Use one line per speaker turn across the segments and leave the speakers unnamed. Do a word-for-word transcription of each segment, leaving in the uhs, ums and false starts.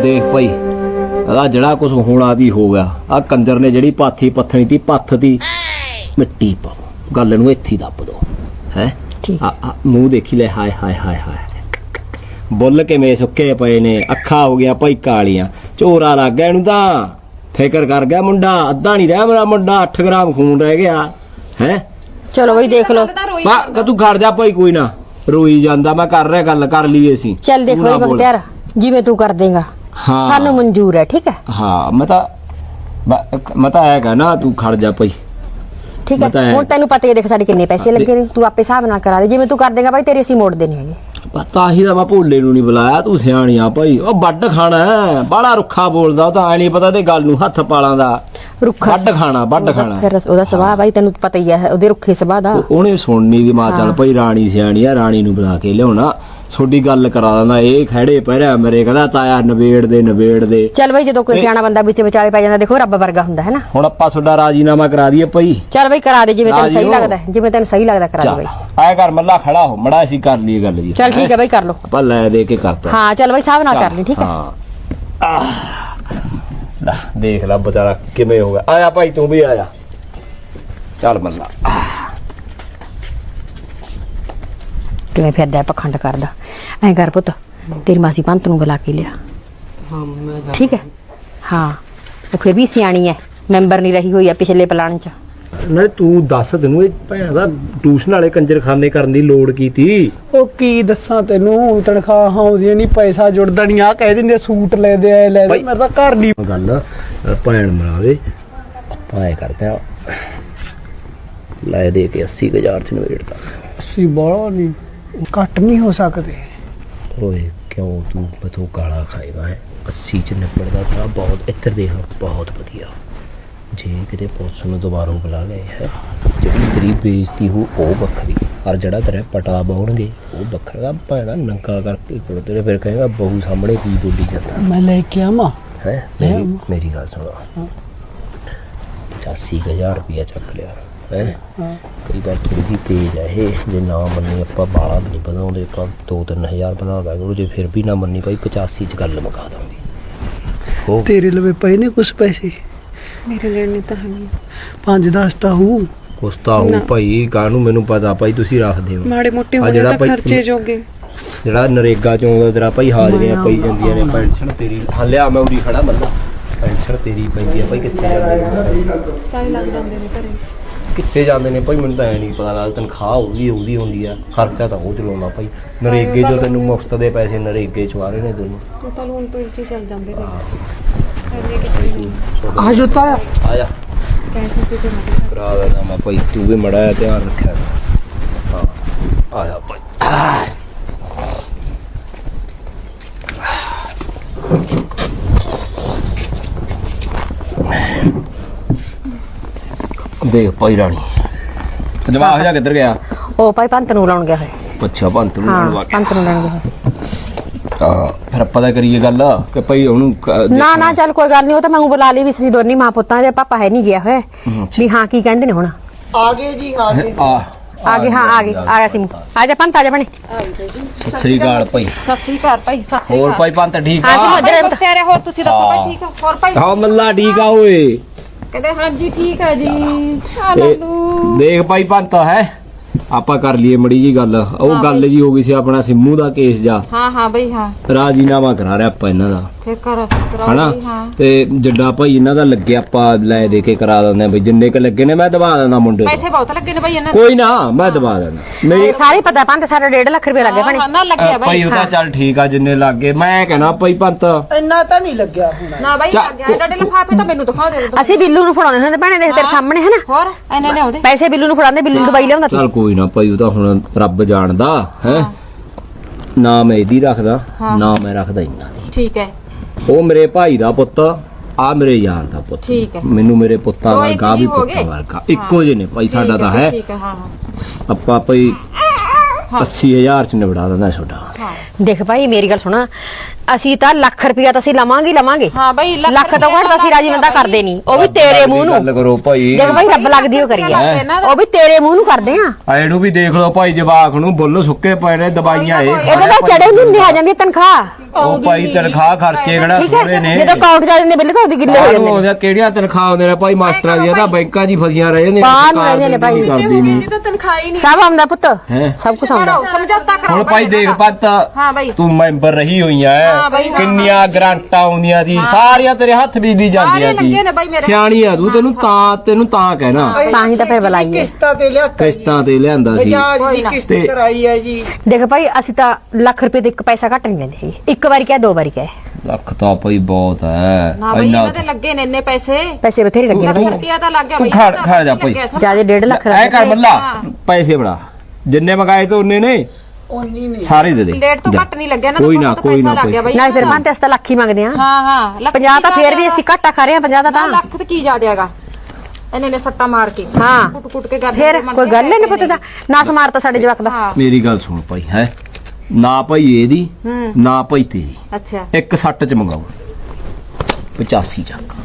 देख भाई आ जड़ा कुछ होना दी हो गया आ कंजर ने जड़ी पाथी पत्थनी थी पत्थ दी मिट्टी पाओ गल नूं इत्थे दब दो है मूँह देखी ले हाय हाय हाय हाय बुल किवें सुक्के पे ने अखा हो गया भाई कालियां झोरा लग गया इहनूं तां फिकर कर गया मुंडा अद्धा नहीं रहा मेरा मुंडा अठ ग्राम खून रह गया है
चलो भाई देख लो
तू घर जा भाई कोई ना रोई जांदा मैं कर रहा गल कर ली असीं
चल देख भाई बख्तियार जिवें तू कर देगा
हाँ
सानू मंजूर है ठीक है
हाँ मैं तां मैं तां ऐ कहना तू खड़ जा भाई
ठीक है हुण तैनूं पता ही देख साडे किन्ने पैसे लगे ने तू आपे हिसाब नाल करा दे जिवें तू कर देगा भाई तेरे असीं मोड़ देने हैगे
पता ही मैं भोले नूं नहीं बुलाया तू सियाणी आ भाई ओ बड्ड खाना है बड़ा रुखा बोलदा तां ऐ नहीं पता ते गल नूं हत्थ पालां दा रुखा बड्ड खाना बड्ड खाना
फिर ओदा सुभाਅ भाई तैनूं पता ही है ओदे रुखे सुभाਅ दा
ओने सुननी दी मां चल भाई राणी सियाणी आ राणी नूं बुला के लियाउणा छोटी गल करा देना ये खड़े पैरा मेरे कहदा ताया नवेड़ दे नवेड़ दे चल भाई जदों कोई सियाणा बंदा विच विचाले पै जांदा देखो रब वर्गा हुंदा है ना हुण आपां तुहाडा राजीनामा करा दईए भाई चल भाई करा दे जिवें तैनूं सही लगदा है जिवें तैनूं सही लगदा करा दे भाई आए कर मल्ला खड़ा हो मड़ा असीं कर लईए गल जी चल ठीक है भाई कर लो आपां लै दे के करता हां चल भाई साहब ना कर ली ठीक है हां ला देख ला बेचारा किवें हो गया आया भाई तू भी आया चल मल्ला किवें फिरदा पखंड करदा ऐ कर पुत तेरी मासी पंत नूं बुला के लिया हाँ ठीक है हाँ वो फिर भी सियाणी है मैंबर नहीं रही हुई है पिछले प्लान च नाले तू दस तैनूं भैन दा ट्यूशन वाले कंजरखाने करन दी लोड़ की ती
ओ की दस्सां तैनूं तनखाह आउंदियां नहीं पैसा जुड़दा नहीं आ कह दिंदे सूट ले दे ले दे मेरा तां घर नहीं
गल भैन मरावे आपां ऐ करदे आ लै दे के अस्सी हज़ार च नवेड़दा
अस्सी बड़ा नहीं घट नहीं हो सकते
ओए क्यों तू बतो काला खाएगा है अस्सी च निपड़दा था बहुत इधर देख बहुत वधिया जे किते पुलिस नूं दोबारा बुला ले है जिहड़ी तेरी बेइज्जती हो ओ बखरी और जड़ा तेरा पटा बाउणगे ओ बखरा भाड़ा नंगा करके कोल तेरे फिर कहेगा बहू सामने की बोली जाता
मैं लेके आवा
है मेरी मेरी गल सुनो पचासी हज़ार रुपया चक लिया है कई बार थोड़ी जी तेज है ये जे ना मन्नी आपां बाला भी नहीं वधाउंदे आपां दो तीन हज़ार वधा दांगे जे फिर भी ना मन्नी भाई पचासी च गल मुका दांगे
तेरे लवे पए ने कुछ पैसे
मेरे लेने तो है नहीं
पांच दस ता हूँ
कुछ ता हूँ भाई कानू मैनू पता भाई तुसी रखदे हो
माड़े मोटे होने ता खर्चे जोगे
जेड़ा नरेगा चों तेरा भाई हाजरियां पई जांदियां ने पेंशन तेरी हां लिया मैं उरी खड़ा मल्ला पेंशन तेरी पैंदी है भाई कित्थे जांदे
ताई लग जांदे ने घरे
कित्थे जांदे ने भाई मैनू तां ऐ नहीं पता लगदा तनखाह ओदी ओदी हुंदी आ खर्चा तां ਉਹ ਚਲਾਉਂਦਾ ਭਾਈ नरेगे जो ਤੈਨੂੰ ਮੁਫਤ ਦੇ ਪੈਸੇ नरेगे ਚ ਆ ਰਹੇ ਨੇ ਤੈਨੂੰ
तो लोन तो इच्चे चल जांदे ने
आज होता है
आजा करा देना मैं भाई तू भी मड़ा ध्यान रखा हाँ आया भाई देख भाई रानी जवाब जा किधर गया
ओ भाई पंत नूं लाउण गया है
अच्छा पंत नूं लाउण गया
पंत नूं लाउण गया
फिर पता करिए गल कि भाई ओनू
ना ना चल कोई गल नहीं हो तो मैं बुला ली भी सी दोनी मां पुत्तां दे पापा है नहीं गया है भी हां की कहंदे ने हुण
आगे जी आगे
आगे हां आगे आ गया सिमू आ जा पंत आ जा बने
सत श्री अकाल भाई
सत श्री अकाल भाई सत श्री
और भाई पंत ठीक
हां सिमू इधर
तेरे और तुसी दसो भाई ठीक है और भाई
हां मल्ला ठीक आ ओए
कहदे हां जी ठीक है जी आ लालू
देख भाई पंत है ਆਪਾਂ ਕਰ ਲਈਏ ਮੜੀ ਜੀ ਗੱਲ ਉਹ ਗੱਲ ਜੀ ਹੋ ਗਈ ਸੀ ਆਪਣਾ ਸਿੰਮੂ ਦਾ ਕੇਸ ਜਾ
ਹਾਂ ਹਾਂ ਬਈ ਹਾਂ
ਰਾਜੀਨਾਮਾ ਕਰਾ ਰਿਹਾ ਆਪਾਂ ਇਹਨਾਂ ਦਾ
ਫਿਰ ਕਰ
ਹਨਾ ਤੇ ਜੱਡਾ ਭਾਈ ਇਹਨਾਂ ਦਾ ਲੱਗੇ ਆਪਾਂ ਲੈ ਦੇ ਕੇ ਕਰਾ ਦਿੰਦੇ ਬਈ ਜਿੰਨੇ ਕ ਲੱਗੇ ਨੇ ਮੈਂ ਦਬਾ ਦਿੰਦਾ ਮੁੰਡੇ
ਪੈਸੇ ਬਹੁਤ ਲੱਗੇ ਨੇ ਭਾਈ ਇਹਨਾਂ
ਕੋਈ ਨਾ ਮੈਂ ਦਬਾ ਦਿੰਦਾ
ਮੇਰੇ ਸਾਰੇ ਪਤਾ ਪੰਤ ਸਾਰਾ ਡੇਢ ਲੱਖ ਰੁਪਏ ਲੱਗੇ ਭਾਣੇ
ਹਾਂ ਨਾ ਲੱਗਿਆ ਭਾਈ
ਭਾਈ ਉਹ ਤਾਂ ਚੱਲ ਠੀਕ ਆ ਜਿੰਨੇ ਲੱਗੇ ਮੈਂ ਕਹਿਣਾ ਭਾਈ ਪੰਤ
ਇੰਨਾ ਤਾਂ ਨਹੀਂ ਲੱਗਿਆ ਹੁਣ
ਨਾ ਭਾਈ ਲੱਗਿਆ ਡੱਡੇ ਲਫਾਫੇ ਤਾਂ ਮੈਨੂੰ ਦਿਖਾ ਦੇ
ਅਸੀਂ ਬਿੱਲੂ ਨੂੰ ਫੜਾਉਂਦੇ ਹੁੰਦੇ ਭਾਣੇ ਦੇਖ ਤੇਰੇ ਸਾਹਮਣੇ ਹੈ ਨਾ
ਹੋਰ ਇਹਨੇ ਨੇ ਆਉਂਦੇ
ਪੈਸੇ ਬਿੱਲੂ ਨੂੰ ਫੜਾਉਂਦੇ ਬਿੱਲੂ ਨੂੰ ਦਵਾਈ ਲਿਆਉਂਦਾ
ਚੱਲ ਕੋਈ ਨਾ ਭਾਈ ਉਹ ਤਾਂ ਹੁਣ ਰੱਬ ਜਾਣਦਾ ਹੈ ਨਾ ਮੈਂ ਇਹਦੀ ਰੱਖਦਾ ਨਾ ਮੈਂ ਰੱਖਦਾ ਇਹਨਾਂ ਦੀ
ਠੀਕ ਹੈ
ਉਹ ਮੇਰੇ ਭਾਈ ਦਾ ਪੁੱਤ ਆ ਮੇਰੇ ਯਾਰ ਦਾ ਪੁੱਤ
ਠੀਕ ਹੈ
ਮੈਨੂੰ ਮੇਰੇ ਪੁੱਤਾਂ ਵਰਗਾ ਵੀ ਪੁੱਤਾਂ ਵਰਗਾ ਇੱਕੋ ਜਿਹੇ ਨੇ ਭਾਈ ਸਾਡਾ ਤਾਂ ਹੈ
ਠੀਕ ਹੈ ਹਾਂ ਹਾਂ
ਆਪਾਂ ਭਾਈ अस्सी हज़ार च निबड़ा दिंदा छोटा
ਦੇਖ ਭਾਈ ਮੇਰੀ ਗੱਲ ਸੁਣਾ, ਅਸੀਂ ਤਾਂ ਲੱਖ ਰੁਪਇਆ ਤਾਂ ਅਸੀਂ ਲਵਾਂਗੇ ਹੀ ਲਵਾਂਗੇ।
ਹਾਂ ਬਈ
ਲੱਖ ਤੋਂ ਘੱਟ ਤਾਂ ਅਸੀਂ ਰਾਜੀ ਬੰਦਾ ਕਰਦੇ ਨਹੀਂ, ਉਹ ਵੀ ਤੇਰੇ ਮੂੰਹ ਨੂੰ।
ਗੱਲ ਕਰੋ ਭਾਈ।
ਦੇਖ ਭਾਈ ਰੱਬ ਲੱਗਦੀ ਉਹ ਕਰੀਏ, ਉਹ ਵੀ ਤੇਰੇ ਮੂੰਹ ਨੂੰ ਕਰਦੇ ਆ।
ਆਏ ਨੂੰ ਵੀ ਦੇਖ ਲਓ ਭਾਈ, ਜਵਾਕ ਨੂੰ ਬੁੱਲ ਸੁੱਕੇ ਪਏ ਨੇ, ਦਵਾਈਆਂ ਇਹ
ਇਹਦੇ ਤਾਂ ਚੜੇ ਮਹੀਨੇ ਆ ਜਾਂਦੀ ਤਨਖਾਹ।
ਉਹ ਭਾਈ ਤਨਖਾਹ ਖਰਚੇ ਕਿਹੜਾ
ਠੀਕ
ਥੋੜੇ
ਹੈ,
ਨੇ।
ਜਦੋਂ ਅਕਾਊਂਟ ਜਾ ਜਾਂਦੇ ਬਿੱਲ ਤਾਂ ਉਹਦੀ ਗਿੱਲੇ ਹੋ ਜਾਂਦੇ ਨੇ।
ਉਹਦੀਆਂ ਕਿਹੜੀਆਂ ਤਨਖਾਹ ਆਉਂਦੇ ਨੇ ਭਾਈ, ਮਾਸਟਰਾਂ ਦੀਆਂ ਤਾਂ ਬੈਂਕਾਂ 'ਚ ਹੀ ਫਸੀਆਂ ਰਹਿ ਜਾਂਦੀਆਂ।
ਬਾਹਰ ਨੂੰ ਰਹਿੰਦੇ ਨੇ ਭਾਈ।
ਕਰਦੀ ਨਹੀਂ
ਤਾਂ ਤਨਖਾਹ ਹੀ ਨਹੀਂ।
ਸਭ ਆਉਂਦਾ ਪੁੱਤ,
ਹੈਂ?
ਸਭ ਕੁਝ ਆਉਂਦਾ।
ਸਮਝੌਤਾ ਕਰਾਓ
ਹੁਣ ਭਾਈ ਦੇਖ ਪੱਤ,
ਹਾਂ ਬਾਈ।
ਤੂੰ ਮੈਂਬਰ ਰਹੀ ਹੋਈ ਐ, ਕਿੰਨੀਆਂ ਗ੍ਰਾਂਟਾਂ ਆਉਂਦੀਆਂ ਦੀ, ਸਾਰੀਆਂ ਤੇਰੇ ਹੱਥ ਵਿੱਚ ਦੀ ਜਾਂਦੀਆਂ
ਲੱਗੇ ਨੇ ਬਾਈ
ਸੀ।
ਮੇਰੇ।
ਸਿਆਣੀ ਆ ਤੂੰ, ਤੈਨੂੰ ਤਾਂ ਤੈਨੂੰ ਤਾਂ ਕਹਿਣਾ
ਤਾਂ ਹੀ ਤਾਂ ਫਿਰ ਬੁਲਾਈਏ।
ਕਿਸ਼ਤਾਂ ਤੇ ਲਿਆ
ਕਿਸ਼ਤਾਂ ਤੇ ਲਿਆਂਦਾ ਸੀ।
ਬਜਾਜ ਦੀ ਕਿਸ਼ਤ
ਤੇ-
ਕਰਾਈ ਹੈ ਜੀ।
ਦੇਖ ਭਾਈ ਅਸੀਂ ਤਾਂ ਲੱਖ ਰੁਪਏ ਦੇ ਇੱਕ ਪੈਸਾ ਘੱਟ ਨਹੀਂ ਲੈਂਦੇ ਹੈਗੇ। ਇੱਕ ਵਾਰੀ ਕਿਹਾ, ਦੋ ਵਾਰੀ ਕਿਹਾ,
ਲੱਖ ਤਾਂ ਭਾਈ ਬਹੁਤ ਹੈ।
ਨਾ ਬਈ ਇਹਨਾਂ ਦੇ ਲੱਗੇ ਨੇ ਇੰਨੇ ਪੈਸੇ।
ਪੈਸੇ ਬਥੇਰੇ ਲੱਗੇ ਨੇ ਭਾਈ।
ਰੁਪਿਆ ਤਾਂ ਲੱਗ ਗਿਆ
ਤੂੰ
ਬਈ।
ਖੜ ਖੜ ਜਾ ਭਾਈ,
ਜਿਆਦਾ ਡੇਢ ਲੱਖ
ਐ ਕਰ
ਲੱਗੇ।
ਮੱਲਾ, ਪੈਸੇ ਬੜਾ ਜਿੰਨੇ ਮੰਗਾਏ ਤੇ ਉਹਨੇ ਨੇ
ਉਨੀ ਨਹੀਂ
ਸਾਰੇ ਦੇ ਦੇ।
ਡੇਢ ਤੋਂ ਘੱਟ ਨਹੀਂ ਲੱਗਿਆ ਨਾ,
ਕੋਈ ਨਾ,
ਬਹੁਤ
ਕੋਈ
ਪੈਸਾ
ਨਾ,
ਲੱਗ ਗਿਆ ਬਈ।
ਨਾ ਫਿਰ ਬੰਦੇ ਅਸੀਂ ਤਾਂ ਲੱਖ ਹੀ ਮੰਗਦੇ ਆ।
ਹਾਂ ਹਾਂ ਲੱਖ
ਪੰਜਾਹ ਤਾਂ ਫੇਰ ਵੀ ਅਸੀਂ ਘਾਟਾ ਖਾ ਰਹੇ ਆ, ਪੰਜਾਹ ਦਾ ਤਾਂ।
ਲੱਖ ਤੇ ਕੀ ਜਾਦੇਗਾ ਇਹਨੇ ਨੇ ਸੱਟਾ ਮਾਰ ਕੇ
ਹਾਂ।
ਕੁੱਟ ਕੁੱਟ ਕੇ ਕਰਦੇ
ਫਿਰ ਕੋਈ ਗੱਲ ਨਹੀਂ ਪੁੱਤ ਦਾ ਨਾ ਸਮਾਰਤਾ ਸਾਡੇ ਜਵਾਕ ਦਾ।
ਮੇਰੀ ਗੱਲ ਸੁਣ ਭਾਈ, ਹੈ ਨਾ ਭਾਈ ਇਹਦੀ ਨਾ ਭਾਈ ਤੇਰੀ,
ਅੱਛਾ
ਇੱਕ ਸੱਟ ਚ ਮੰਗਾਓ ਪਚਾਸੀ ਚੱਕ।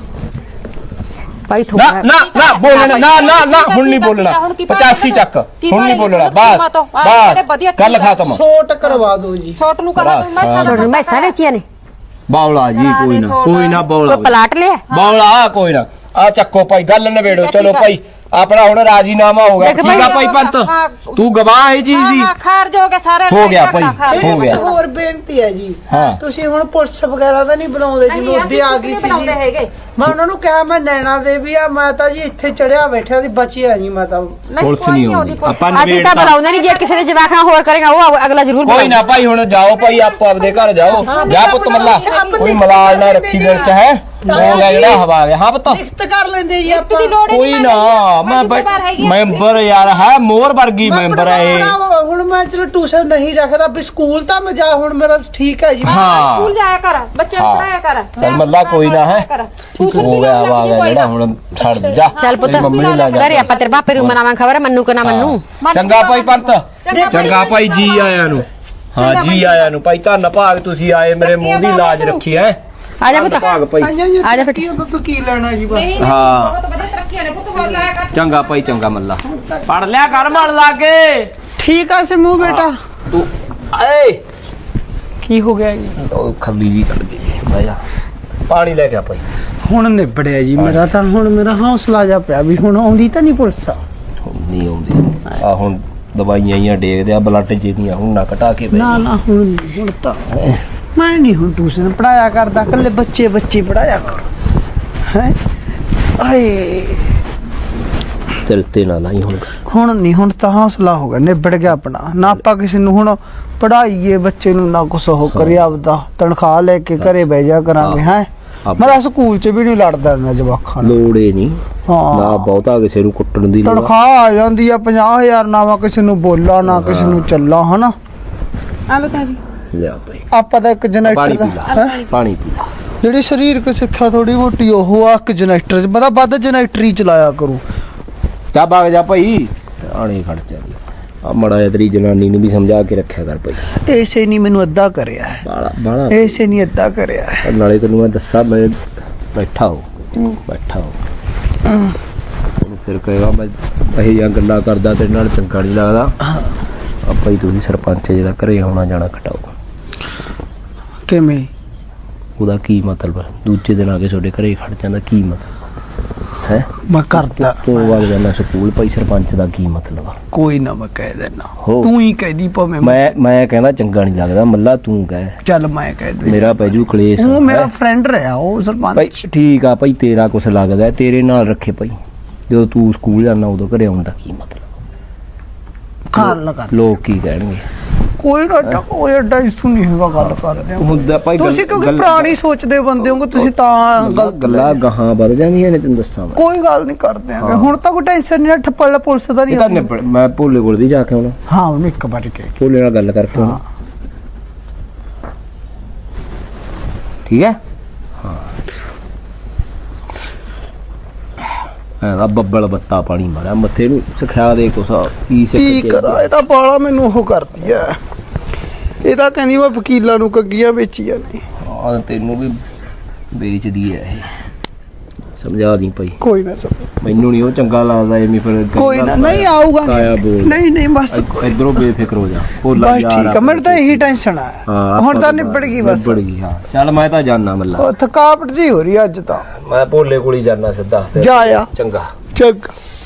ਭਾਈ
ਨਾ
ਥੋੜਾ
ਨਾ ਨਾ ਬੋਲਣਾ, ਨਾ ਨਾ ਨਾ ਹੁਣ ਨਹੀਂ ਬੋਲਣਾ, ਪਚਾਸੀ ਚੱਕ ਹੁਣ ਨਹੀਂ ਬੋਲਣਾ, ਬਸ ਬਸ ਗੱਲ ਖਤਮ।
ਛੋਟ ਕਰਵਾ ਦਿਓ ਜੀ।
ਛੋਟ ਨੂੰ ਕਰਾ ਦੂੰ ਮੈਂ
ਬਸ।
ਛੋੜ ਮੈਂ ਸਾਰੇ ਚੀਆਂ ਨੇ।
ਬਾਵਲਾ ਜੀ, ਕੋਈ ਨਾ ਕੋਈ ਨਾ ਬਾਵਲਾ
ਕੋਈ ਪਲਾਟ ਲਿਆ
ਬਾਵਲਾ ਕੋਈ ਨਾ। ਆ ਚੱਕੋ ਭਾਈ, ਗੱਲ ਨਵੇੜੋ। ਚਲੋ ਭਾਈ ਆਪਣਾ ਹੁਣ ਰਾਜੀਨਾਮਾ ਹੋ ਗਿਆ।
ਦੇਖ
ਠੀਕ ਆ
ਭਾਈ,
ਭਾਈ ਪੰਤ, ਤੂੰ ਗਵਾਹ ਇਹ ਚੀਜ਼ ਦੀ।
ਹਾਂ ਖਾਰਜ ਹੋ ਗਿਆ ਸਾਰੇ।
ਹੋ ਗਿਆ ਭਾਈ, ਹੋ ਗਿਆ।
ਇੱਕ ਹੋਰ ਬੇਨਤੀ ਹੈ ਜੀ,
ਹਾਂ।
ਤੁਸੀਂ ਹੁਣ ਪੁਲਿਸ ਵਗੈਰਾ ਤਾਂ ਨਹੀਂ ਬੁਲਾਉਂਦੇ ਜੀ? ਮੁੱਦੇ ਆ ਗਈ ਸੀ ਜੀ।
ਹੈਗੇ
ਮੈਂ ਉਹਨਾਂ ਨੂੰ ਕਿਹਾ ਮੈਂ ਨੈਣਾ ਦੇ ਵੀ ਆ, ਮੈਂ ਤਾਂ ਜੀ ਇੱਥੇ ਚੜਿਆ ਬੈਠਿਆ ਸੀ, ਬਚਿਆ ਜੀ ਮੈਂ ਤਾਂ।
ਪੁਲਿਸ ਨਹੀਂ ਆਉਂਦੀ, ਆਪਾਂ
ਅਸੀਂ ਤਾਂ ਬੁਲਾਉਂਦੇ ਨਹੀਂ। ਜੇ ਕਿਸੇ ਦੇ ਜਵਾਕ ਨਾਲ ਹੋਰ ਕਰੇਗਾ ਉਹ ਅਗਲਾ ਜ਼ਰੂਰ
ਕੋਈ ਨਾ ਭਾਈ, ਹੁਣ ਜਾਓ ਭਾਈ, ਆਪੋ ਆਪਦੇ ਘਰ ਜਾਓ। ਜਾ ਪੁੱਤ ਮੱਲਾ, ਕੋਈ ਮਲਾਲ ਨਾ ਰੱਖੀ ਦਿਲ ਚ, ਹੈ ਹੋ ਗਿਆ ਜਿਹੜਾ ਹਵਾ ਗਿਆ। ਹਾਂ ਪੁੱਤ
ਲਿਖਤ ਕਰ ਲੈਂਦੇ ਜੀ ਆਪਾਂ।
ਕੋਈ ਨਾ, ਮੈਂ ਮੈਂਬਰ ਯਾਰ ਹੈ, ਮੋਰ ਵਰਗੀ ਮੈਂਬਰ ਹੈ ਇਹ।
ਹੁਣ ਮੈਂ ਚਲੋ ਟਿਊਸ਼ਨ ਨਹੀਂ ਰੱਖਦਾ ਵੀ ਸਕੂਲ ਤਾਂ ਮੈਂ ਜਾ, ਹੁਣ ਮੇਰਾ ਠੀਕ ਹੈ ਜੀ।
ਹਾਂ
ਸਕੂਲ ਜਾਇਆ ਕਰ, ਬੱਚੇ ਨੂੰ ਪੜਾਇਆ ਕਰ।
ਚੱਲ ਮੱਲਾ ਕੋਈ ਨਾ, ਹੈ ਹੋ ਗਿਆ ਹਵਾ ਗਿਆ ਜਿਹੜਾ, ਹੁਣ ਛੱਡ ਜਾ।
ਚੱਲ ਪੁੱਤ
ਤੇਰੀ ਮੰਮੀ ਨੂੰ ਲੈ ਜਾ।
ਘਰੇ ਆਪਾਂ ਤੇਰੇ ਬਾਪੇ ਨੂੰ ਮਨਾਵਾਂ, ਖਬਰ ਮੰਨੂ ਕਿ ਨਾ ਮੰਨੂ।
ਚੰਗਾ ਭਾਈ ਪੰਤ, ਚੰਗਾ ਭਾਈ, ਜੀ ਆਇਆਂ ਨੂੰ। ਹਾਂ ਜੀ ਆਇਆਂ ਨੂੰ ਭਾਈ, ਧੰਨ ਭਾਗ ਤੁਸੀਂ ਆਏ, ਮੇਰੇ ਮੂੰਹ ਦੀ ਲਾਜ ਰੱਖੀ ਹੈ।
ਆ ਜਾ ਪੁੱਤ,
ਭਾਗ ਭਾਈ।
ਆ ਜਾ ਫਿਰ।
ਤੂੰ ਕੀ ਲੈਣਾ ਜੀ ਬਸ।
ਹਾਂ
ਬਹੁਤ ਵਧੀਆ ਤਰੱਕੀਆਂ ਨੇ ਪੁੱਤ, ਹੋਰ ਲਾਇਆ ਕਰ।
ਚੰਗਾ ਭਾਈ, ਚੰਗਾ ਮੱਲਾ, ਪੜ ਲਿਆ ਕਰ ਮਨ ਲਾਗੇ।
ਠੀਕ ਆ ਸਿਮੂ ਬੇਟਾ।
ਤੂੰ ਏ
ਕੀ ਹੋ ਗਿਆ ਜੀ?
ਉਹ ਖੱਲੀ ਜੀ ਚੜ ਗਈ, ਬਹਿ ਜਾ, ਪਾਣੀ ਲੈ ਕੇ ਆ ਭਾਈ।
ਹੁਣ ਨਿਬੜਿਆ ਜੀ ਮੇਰਾ ਤਾਂ, ਹੁਣ ਮੇਰਾ ਹੌਸਲਾ ਜਾ ਪਿਆ ਵੀ ਹੁਣ ਆਉਂਦੀ ਤਾਂ ਨਹੀਂ ਪੁਲਿਸ।
ਹੁਣ ਨਹੀਂ ਆਉਂਦੀ ਆ, ਹੁਣ ਦਵਾਈਆਂ ਹੀ ਡੇਗਦੇ ਆ, ਬਲੱਡ ਜਿਹਦੀਆਂ ਹੁਣ ਨਾ ਘਟਾ ਕੇ ਬਹਿ
ਨਾ ਨਾ ਹੁਣ ਨੀ, ਹੁਣ ਤਾਂ ਮੈਂ ਨਹੀਂ ਹੁਣ ਟਿਊਸ਼ਨ ਪੜਾਇਆ ਕਰਦਾ, ਕੱਲੇ ਬੱਚੇ ਬੱਚੇ ਪੜਾਇਆ ਕਰ। ਹੈ ਆਏ
ਤੇਰੇ ਤੇ ਨਾ ਲਾਈ ਹੁਣ।
ਹੁਣ ਨਹੀਂ, ਹੁਣ ਤਾਂ ਹੌਸਲਾ ਹੋ ਗਿਆ, ਨਿਬੜ ਗਿਆ ਆਪਣਾ। ਨਾ ਆਪਾਂ ਕਿਸੇ ਨੂੰ ਹੁਣ ਪੜਾਈਏ ਬੱਚੇ ਨੂੰ, ਨਾ ਕੁਛ ਉਹ ਕਰੇ, ਆਪਦਾ ਤਨਖਾਹ ਲੈ ਕੇ ਘਰੇ ਬਹਿ ਜਾ ਕਰਾਂਗੇ। ਹੈ ਮੈਂ ਤਾਂ ਸਕੂਲ 'ਚ ਵੀ ਨਹੀਂ ਲੜਦਾ ਨਾ ਜਵਾਕਾਂ ਨਾਲ।
ਲੋੜੇ ਨਹੀਂ
ਹਾਂ
ਨਾ ਬਹੁਤਾ ਕਿਸੇ ਨੂੰ ਕੁੱਟਣ ਦੀ ਲੋੜ।
ਤਨਖਾਹ ਆ ਜਾਂਦੀ ਆ ਪੰਜਾਹ ਹਜ਼ਾਰ, ਨਾ ਮੈਂ ਕਿਸੇ ਨੂੰ ਬੋਲਾਂ ਨਾ ਕਿਸੇ ਨੂੰ ਚੱਲਾਂ, ਹਨਾ।
ਆਲੋ ਤਾਂ ਜੀ
ਲਿਆ ਭਾਈ,
ਆਪਾਂ ਤਾਂ ਇੱਕ
ਪਾਣੀ
ਜਨਰੇਟਰ
ਪੀ
ਦਾ
ਲਾ, ਪਾਣੀ ਪੀ ਲਾ।
ਜਿਹੜੀ ਸਰੀਰਕ ਸਿੱਖਿਆ ਥੋੜੀ ਮੋਟੀ ਉਹ ਆ, ਇੱਕ ਜਨਰੇਟਰ 'ਚ ਪਤਾ ਵੱਧ ਜਨਰੇਟਰ ਹੀ ਚਲਾਇਆ ਕਰੂ।
ਜਾ ਬਾਗ ਜਾ ਭਾਈ, ਆਣੇ ਖੜ ਚੱਲੀ ਆ, ਮੜਾ ਜਿਹਾ ਤੇਰੀ ਜਨਾਨੀ ਨੂੰ ਵੀ ਸਮਝਾ ਕੇ ਰੱਖਿਆ ਕਰ ਭਾਈ।
ਐਸੇ ਨਹੀਂ ਮੈਨੂੰ ਅੱਧਾ ਕਰਿਆ ਹੈ,
ਬਾਲਾ ਬਾਲਾ
ਐਸੇ ਨਹੀਂ ਅੱਧਾ ਕਰਿਆ ਹੈ।
ਨਾਲੇ ਤੈਨੂੰ ਮੈਂ ਦੱਸਾਂ, ਮੈਂ ਬੈਠਾ ਹੋ ਬੈਠਾ ਹੋ ਉਹਨੂੰ ਫਿਰ ਕਹੇਗਾ ਮੈਂ ਇਹ ਜਾਂ ਗੱਲਾਂ ਕਰਦਾ, ਤੇਰੇ ਨਾਲ ਚੰਗਾ ਨਹੀਂ ਲੱਗਦਾ। ਆਪਾਂ ਹੀ ਤੁਸੀਂ ਸਰਪੰਚ ਜਿਹੜਾ ਘਰੇ ਆਉਣਾ ਜਾਣਾ ਘਟਾਓ।
ਕਿਵੇਂ?
ਉਹਦਾ ਕੀ ਮਤਲਬ? ਦੂਜੇ ਦਿਨ ਆ ਕੇ ਤੁਹਾਡੇ ਘਰੇ ਖੜ ਜਾਂਦਾ, ਕੀ ਮਤਲਬ ਹੈ?
ਮੈਂ ਕਰਦਾ,
ਤੂੰ ਵਗ ਜਾਂਦਾ ਸਕੂਲ, ਭਾਈ ਸਰਪੰਚ ਦਾ ਕੀ ਮਤਲਬ ਆ?
ਕੋਈ ਨਾ ਮੈਂ ਕਹਿ ਦੇਣਾ,
ਹੋ।
ਤੂੰ ਹੀ ਕਹਿਦੀ ਭਾਵੇਂ।
ਮੈਂ ਮੈਂ ਕਹਿੰਦਾ ਚੰਗਾ ਨਹੀਂ ਲੱਗਦਾ ਮੱਲਾ, ਤੂੰ ਕਹਿ।
ਚੱਲ ਮੈਂ ਕਹਿ ਦੂੰ,
ਮੇਰਾ ਪੈਜੂ ਕਲੇਸ਼।
ਉਹ ਮੇਰਾ
ਹੈਂ?
ਫਰੈਂਡ ਰਿਹਾ ਉਹ ਸਰਪੰਚ।
ਭਾਈ ਠੀਕ ਆ ਭਾਈ, ਤੇਰਾ ਕੁਛ ਲੱਗਦਾ, ਤੇਰੇ ਨਾਲ ਰੱਖੇ ਭਾਈ। ਜਦੋਂ ਤੂੰ ਸਕੂਲ ਜਾਂਦਾ ਉਦੋਂ ਘਰੇ ਆਉਣ ਦਾ ਕੀ ਮਤਲਬ?
ਕਰ ਲਗਾ
ਲੋਕ ਕੀ ਕਹਿਣਗੇ?
ਕੋਈ ਨਾ, ਕੋਈ ਐਡਾ ਇਸ਼ੂ ਨਹੀਂ ਹੈਗਾ, ਗੱਲ ਕਰ ਰਹੇ ਹੋ
ਹੁੰਦਾ ਭਾਈ।
ਤੁਸੀਂ, ਕਿਉਂਕਿ ਪੁਰਾਣੀ ਸੋਚਦੇ ਬੰਦੇ ਹੋਗੇ ਤੁਸੀਂ, ਤਾਂ
ਗੱਲ ਗੱਲਾਂ ਗਾਹਾਂ ਵੱਧ ਜਾਂਦੀਆਂ ਨੇ, ਤੈਨੂੰ ਦੱਸਾਂ ਮੈਂ।
ਕੋਈ ਗੱਲ ਨਹੀਂ ਕਰਦੇ ਆ ਹੁਣ ਤਾਂ ਕੋਈ ਟੈਨਸ਼ਨ ਨਹੀਂ, ਠੱਪੜ ਪੁਲਿਸ ਦਾ
ਇਹ ਤਾਂ
ਨਹੀਂ।
ਨਿਬੜ- ਮੈਂ ਭੋਲੇ ਕੋਲ ਦੀ ਜਾ ਕੇ ਆਉਣਾ,
ਹਾਂ ਉਹਨੂੰ ਇੱਕ ਵਾਰ ਕਹਿ,
ਭੋਲੇ ਨਾਲ ਗੱਲ ਕਰਕੇ ਆਉਣਾ, ਠੀਕ ਹੈ? ਹਾਂ ਆ ਬੱਬਲ ਬੱਤਾ ਪਾਣੀ ਮਾਰਿਆ ਮੱਥੇ ਨੂੰ, ਸਿਖਾ ਦੇ ਕੁਛ ਕੀ ਸਿੱਖ
ਕੀ
ਕੇ
ਕਰਾਂ, ਇਹ ਤਾਂ ਬਾਲਾ ਮੈਨੂੰ ਉਹ ਕਰਦੀ ਐ। ਇਹ ਤਾਂ ਕਹਿੰਦੀ ਮੈਂ ਵਕੀਲਾਂ ਨੂੰ ਕੱਗੀਆਂ ਵੇਚੀਆਂ ਨੇ।
ਆ ਤੈਨੂੰ ਵੀ ਵੇਚਦੀ ਐ ਇਹ, ਸਮਝਾ ਦੀ ਭਾਈ।
ਕੋਈ ਨਾ ਸਮਝ
ਮੈਨੂੰ ਨਹੀਂ ਉਹ ਚੰਗਾ ਲੱਗਦਾ ਐਵੇਂ ਫਿਰ
ਕੋਈ ਨਾ ਨਹੀਂ ਆਊਗਾ
ਤਾਇਆ ਬੋਲ।
ਨਹੀਂ ਨਹੀਂ ਬਸ
ਇਧਰੋਂ ਬੇਫਿਕਰ ਹੋ ਜਾ ਭੋਲਾ
ਬਸ
ਯਾਰ
ਠੀਕ ਆ ਮੈਨੂੰ ਤਾਂ ਇਹੀ ਟੈਨਸ਼ਨ ਆ
ਹਾਂ,
ਹੁਣ
ਆਪਾਂ
ਤਾਂ ਨਿਬੜ ਗਈ ਬਸ
ਨਿਬੜ ਗਈ ਹਾਂ। ਚੱਲ ਮੈਂ ਤਾਂ ਜਾਣਾ ਮੱਲਾ,
ਉਹ ਥਕਾਵਟ ਜੀ ਹੋ ਰਹੀ ਅੱਜ ਤਾਂ।
ਮੈਂ ਭੋਲੇ ਕੋਲ ਹੀ ਜਾਣਾ ਸਿੱਧਾ ਫਿਰ।
ਜਾ ਆ
ਚੰਗਾ
ਚੰਗਾ।